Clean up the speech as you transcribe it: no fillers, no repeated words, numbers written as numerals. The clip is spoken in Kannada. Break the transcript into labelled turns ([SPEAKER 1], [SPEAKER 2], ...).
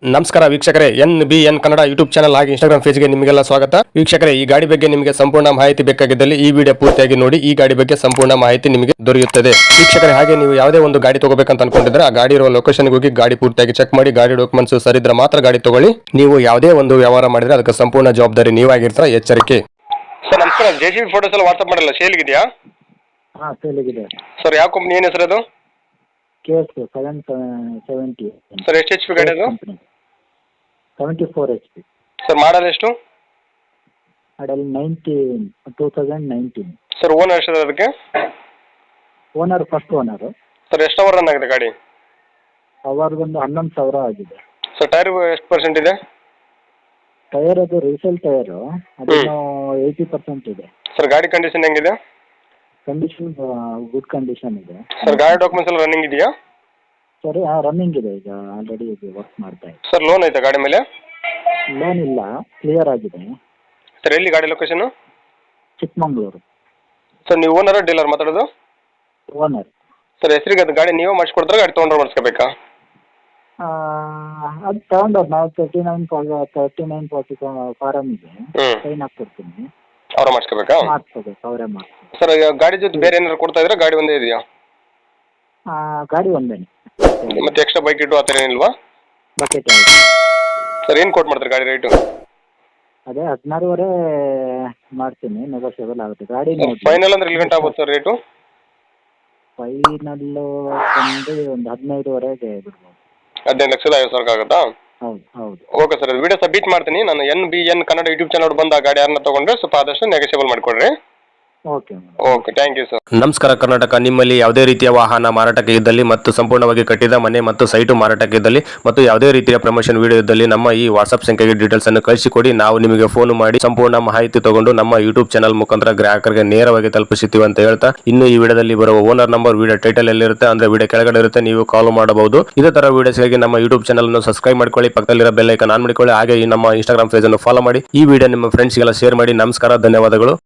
[SPEAKER 1] ನಮಸ್ಕಾರ ವೀಕ್ಷಕರೇ, NBN ಕನ್ನಡ ಯೂಟ್ಯೂಬ್ ಚಾನಲ್ ಹಾಗೆ ಇನ್ಸ್ಟಾಗ್ರಾಮ್ ಪೇಜ್ಗೆ ನಿಮಗೆಲ್ಲ ಸ್ವಾಗತ. ವೀಕ್ಷಕರೇ, ಈ ಗಾಡಿ ಬಗ್ಗೆ ನಿಮಗೆ ಸಂಪೂರ್ಣ ಮಾಹಿತಿ ಬೇಕಾಗಿದ್ದಲ್ಲಿ ಈ ವಿಡಿಯೋ ಪೂರ್ತಿಯಾಗಿ ನೋಡಿ. ಈ ಗಾಡಿ ಬಗ್ಗೆ ಸಂಪೂರ್ಣ ಮಾಹಿತಿ ನಿಮಗೆ ದೊರೆಯುತ್ತದೆ. ವೀಕ್ಷಕರೇ, ಹಾಗೆ ನೀವು ಯಾವುದೇ ಒಂದು ಗಾಡಿ ತಗೋಬೇಕಂತ ಅನ್ಕೊಂಡಿದ್ರೆ ಆ ಗಾಡಿ ಇರುವ ಲೊಕೇಶನ್ಗೆ ಹೋಗಿ ಗಾಡಿ ಪೂರ್ತಿಯಾಗಿ ಚೆಕ್ ಮಾಡಿ, ಗಾಡಿ ಡಾಕ್ಯುಮೆಂಟ್ಸ್ ಸರಿದ್ರೆ ಮಾತ್ರ ಗಾಡಿ ತಗೊಳ್ಳಿ. ನೀವು ಯಾವುದೇ ಒಂದು ವ್ಯವಹಾರ ಮಾಡಿದ್ರೆ ಅದಕ್ಕೆ ಸಂಪೂರ್ಣ ಜವಾಬ್ದಾರಿ ನೀವಾಗಿರ್ತೀರ, ಎಚ್ಚರಿಕೆ. ಸರ್ ನಮಸ್ಕಾರ, JCB ಫೋಟೋಸ್ ಎಲ್ಲ ವಾಟ್ಸ್ಆಪ್ ಮಾಡಲ್ಲ, ಸೇಲ್ಗಿದೆಯಾ?
[SPEAKER 2] ಹಾಂ, ಸೇಲಿಗಿದೆ
[SPEAKER 1] ಸರ್ ಯಾವ ಕಂಪ್ನಿ, ಏನು ಹೆಸರು ಅದು?
[SPEAKER 2] KS 770
[SPEAKER 1] ಸರ್ ಎಷ್ಟು HP ಗಾಡಿ ಅದು?
[SPEAKER 2] 74 HP.
[SPEAKER 1] ಸರ್ ಮಾಡಲ್ ಎಷ್ಟು?
[SPEAKER 2] ಮಾಡಲ್ 2019.
[SPEAKER 1] ಸರ್ ಓನರ್ ಎಷ್ಟು ಅದಕ್ಕೆ?
[SPEAKER 2] Owner first owner.
[SPEAKER 1] ಸರ್ ಎಷ್ಟು ಅವರ್ ರನ್ ಆಗಿದೆ ಗಾಡಿ?
[SPEAKER 2] ಅವರದೊಂದು 11,000 ಆಗಿದೆ.
[SPEAKER 1] ಸರ್ ಟೈರ್ ಎಷ್ಟು ಪರ್ಸೆಂಟ್ ಇದೆ?
[SPEAKER 2] ಟೈರ್ ಅದು ರೀಸೇಲ್ ಟೈರು, ಅದನ್ನು 80% ಇದೆ.
[SPEAKER 1] ಸರ್ ಗಾಡಿ ಕಂಡೀಷನ್ ಹೆಂಗಿದೆ?
[SPEAKER 2] ಕಂಡೀಷನ್ ಗುಡ್ ಕಂಡೀಷನ್ ಇದೆ.
[SPEAKER 1] ಸರ್ ಗಾಡಿ ಡಾಕ್ಯುಮೆಂಟ್ಸ್ ಎಲ್ಲ ರನ್ನಿಂಗ್ ಇದೆಯಾ?
[SPEAKER 2] ಸರಿ, ರನ್ನಿಂಗ್ ಇದೆ, ಈಗ ಆಲ್ರೆಡಿ ಇದು ವರ್ಕ್ ಮಾಡ್ತಾ ಇದೆ.
[SPEAKER 1] ಸರ್ ಲೋನ್ ಐತಾ ಗಾಡಿ ಮೇಲೆ?
[SPEAKER 2] ಲೋನ್ ಇಲ್ಲ, ಕ್ಲಿಯರ್ ಆಗಿದೆ.
[SPEAKER 1] ಸರ್ ಎಲ್ಲಿ ಗಾಡಿ ಲೊಕೇಶನ್?
[SPEAKER 2] ಚಿಕ್ಕಮಂಗ್ಳೂರು.
[SPEAKER 1] ಸರ್ ನೀವು ಓನರ್ ಡೀಲರ್ ಮಾತಾಡೋದು?
[SPEAKER 2] ಓನರ್.
[SPEAKER 1] ಸರ್ ಹೆಸರಿಗೆ ಅದು ಗಾಡಿ ನೀವೇ ಮಾಡಿಸ್ಕೊಡ್ತಾರೆ, ಗಾಡಿ ತೊಗೊಂಡ್ರೆ ಮಾಡಿಸ್ಕೋಬೇಕಾ?
[SPEAKER 2] ಅದು ತಗೊಂಡವ್ರು ನಾವು 3940 ಫಾರಮ್ ಇದೆ, ಸೈನ್ ಹಾಕ್ಕೊಡ್ತೀನಿ.
[SPEAKER 1] ಅವ್ರ ಮಾಡಿಸ್ಕೋಬೇಕಾ?
[SPEAKER 2] ಮಾಡಿಸ್ಕೋಬೇಕು, ಅವರೇ ಮಾಡಿಸ್ಬೇಕು.
[SPEAKER 1] ಸರ್ ಗಾಡಿ ಜೊತೆ ಬೇರೆ ಏನಾದ್ರು ಕೊಡ್ತಾ ಇದ್ರೆ ಗಾಡಿ ಒಂದೇ ಇದೆಯಾ?
[SPEAKER 2] ಗಾಡಿ ಒಂದೇನೆ.
[SPEAKER 1] ಮತ್ತೆ ಎಕ್ಸ್ಟ್ರಾ ಬೈಕ್ ಇಟ್ಟು ಆ ಥರ ಏನಿಲ್ವಾ?
[SPEAKER 2] ಬಕೆಟ್ ಯಾವುದು?
[SPEAKER 1] ಸರ್ ಏನು ಕೊಟ್ಟು ಮಾಡ್ತಾರೆ ಗಾಡಿ ರೇಟು?
[SPEAKER 2] ಅದೇ 16,500 ಮಾಡ್ತೀನಿ, ನೆಗೋಷಿಯಬಲ್ ಆಗುತ್ತೆ. ಗಾಡಿ
[SPEAKER 1] ಫೈನಲ್ ಅಂದ್ರೆ ಇಲ್ಲಿ ಗಂಟೆ ಆಗುತ್ತೆ ಸರ್ ರೇಟು?
[SPEAKER 2] ಫೈನಲ್ಲು ಒಂದು 15,500 ಬಿಡ್ಬೋದು.
[SPEAKER 1] 15,50,000 ಆಗುತ್ತಾ?
[SPEAKER 2] ಹೌದು ಹೌದು.
[SPEAKER 1] ಓಕೆ ಸರ್, ವಿಡಿಯೋ ಸಬ್ಮಿಟ್ ಮಾಡ್ತೀನಿ ನಾನು. NBN ಕನ್ನಡ ಯೂಟ್ಯೂಬ್ ಚಾನಲ್ ಬಂದು ಆ ಗಾಡಿ ಯಾರನ್ನ ತೊಗೊಂಡ್ರೆ ಸ್ವಲ್ಪ ಆದಷ್ಟು ನೆಗೋಷಿಯಬಲ್ ಮಾಡಿಕೊಡ್ರಿ.
[SPEAKER 2] Okay
[SPEAKER 1] okay, thank you sir. ನಮಸ್ಕಾರ ಕರ್ನಾಟಕ. ನಿಮ್ಮಲ್ಲಿ ಯಾವುದೇ ರೀತಿಯ ವಾಹನ ಮಾರಾಟಕ್ಕೆ ಇದ್ದಲ್ಲಿ ಮತ್ತು ಸಂಪೂರ್ಣವಾಗಿ ಕಟ್ಟಿದ ಮನೆ ಮತ್ತು ಸೈಟು ಮಾರಾಟಕ್ಕೆ ಇದ್ದಲ್ಲಿ ಮತ್ತು ಯಾವುದೇ ರೀತಿಯ ಪ್ರಮೋಷನ್ ವಿಡಿಯೋ ಇದ್ದಲ್ಲಿ ನಮ್ಮ ಈ ವಾಟ್ಸ್ಆಪ್ ಸಂಖ್ಯೆಗೆ ಡೀಟೇಲ್ಸ್ ಅನ್ನು ಕಳಿಸಿಕೊಡಿ. ನಾವು ನಿಮಗೆ ಫೋನ್ ಮಾಡಿ ಸಂಪೂರ್ಣ ಮಾಹಿತಿ ತಗೊಂಡು ನಮ್ಮ ಯೂಟ್ಯೂಬ್ ಚಾನಲ್ ಮುಖಾಂತರ ಗ್ರಾಹಕರಿಗೆ ನೇರವಾಗಿ ತಲುಪಿಸುತ್ತೀವಿ ಅಂತ ಹೇಳ್ತಾ, ಇನ್ನು ಈ ವಿಡಿಯೋದಲ್ಲಿ ಬರುವ ಓನರ್ ನಂಬರ್ ವಿಡಿಯೋ ಟೈಟಲ್ ಎಲ್ಲಿರುತ್ತೆ ಅಂದ್ರೆ ವಿಡಿಯೋ ಕೆಳಗಡೆ ಇರುತ್ತೆ, ನೀವು ಕಾಲ್ ಮಾಡಬಹುದು. ಇದೇ ತರ ವಿಡಿಯೋಸ್ಗಾಗಿ ನಮ್ಮ ಯೂಟ್ಯೂಬ್ ಚಾನಲ್ ಅನ್ನು ಸಬ್ಸ್ಕ್ರೈಬ್ ಮಾಡ್ಕೊಳ್ಳಿ, ಪಕ್ಕದಲ್ಲಿರೋ ಬೆಲ್ ಐಕಾನ್ ಆನ್ ಮಾಡಿಕೊಳ್ಳಿ. ಹಾಗೆ ಈ ನಮ್ಮ ಇನ್ಸ್ಟಾಗ್ರಾಮ್ ಪೇಜ್ ಅನ್ನು ಫಾಲೋ ಮಾಡಿ. ಈ ವಿಡಿಯೋ ನಿಮ್ಮ ಫ್ರೆಂಡ್ಸ್ಗೆಲ್ಲ ಶೇರ್ ಮಾಡಿ. ನಮಸ್ಕಾರ, ಧನ್ಯವಾದಗಳು.